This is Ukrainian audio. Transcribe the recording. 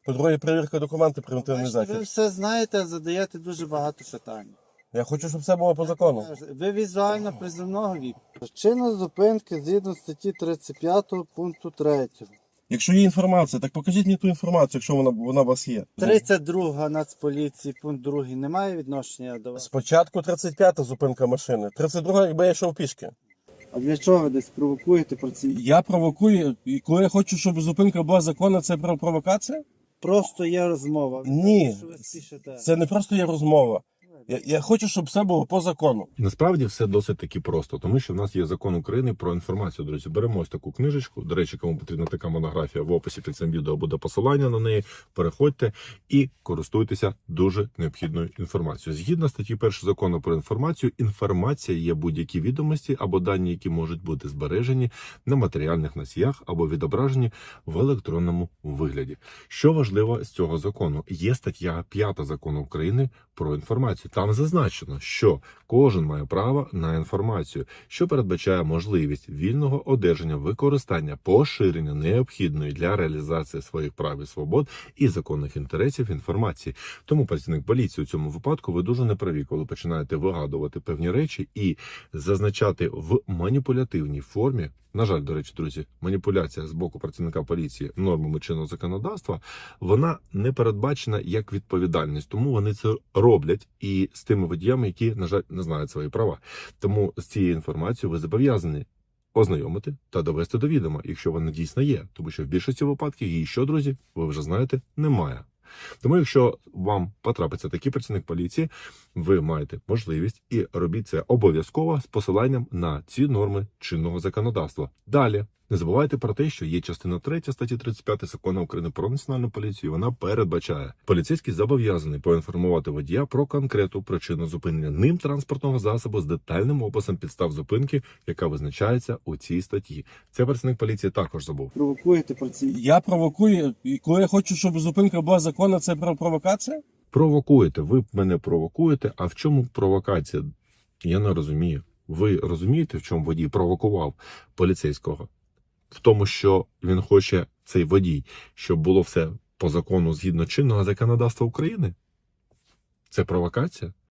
По-друге, перевірка документів, превентивний Бачите, ви захід. все знаєте, задаєте дуже багато питань. Я хочу, щоб все було по закону. Ви візуально приземного віку. Причина зупинки згідно статті 35 пункту 3. Якщо є інформація, так покажіть мені ту інформацію, якщо вона у вас є. 32 Нацполіції, пункт 2 не має відношення до вас. Спочатку 35-та зупинка машини. 32-га, якби я йшов пішки. А для чого ви десь провокуєте працівників? Я провокую, і коли я хочу, щоб зупинка була законна, це провокація? Просто є розмова. Ні, Що ви спішите? це не просто є розмова. Я хочу, щоб все було по закону. Насправді все досить таки просто, тому що в нас є закон України про інформацію. Друзі, беремо ось таку книжечку. До речі, кому потрібна така монографія, в описі під цим відео буде посилання на неї. Переходьте і користуйтеся дуже необхідною інформацією. Згідно статті 1 закону про інформацію, інформація є будь-які відомості або дані, які можуть бути збережені на матеріальних носіях або відображені в електронному вигляді. Що важливо з цього закону? Є стаття 5 закону України про інформацію. Там зазначено, що кожен має право на інформацію, що передбачає можливість вільного одержання, використання, поширення необхідної для реалізації своїх прав і свобод і законних інтересів інформації. Тому працівник поліції у цьому випадку ви дуже неправі, коли починаєте вигадувати певні речі і зазначати в маніпулятивній формі. На жаль, до речі, друзі, маніпуляція з боку працівника поліції нормами чинного законодавства, вона не передбачена як відповідальність, тому вони це роблять і з тими водіями, які, на жаль, не знають свої права. Тому з цією інформацією ви зобов'язані ознайомити та довести до відома, якщо вона дійсно є, тому що в більшості випадків її що, друзі, ви вже знаєте, немає. Тому якщо вам потрапиться такий працівник поліції, ви маєте можливість і робіть це обов'язково з посиланням на ці норми чинного законодавства. Далі, не забувайте про те, що є частина 3 статті 35 Закону України про національну поліцію. Вона передбачає, поліцейський зобов'язаний поінформувати водія про конкретну причину зупинення ним транспортного засобу з детальним описом підстав зупинки, яка визначається у цій статті. Це працівник поліції також забув. Провокуєте працівників. Я провокую, і коли я хочу, щоб зупинка була законна, це провокація? Провокуєте, ви мене провокуєте, а в чому провокація? Я не розумію. Ви розумієте, в чому водій провокував поліцейського? В тому, що він хоче, цей водій, щоб було все по закону згідно чинного законодавства України? Це провокація?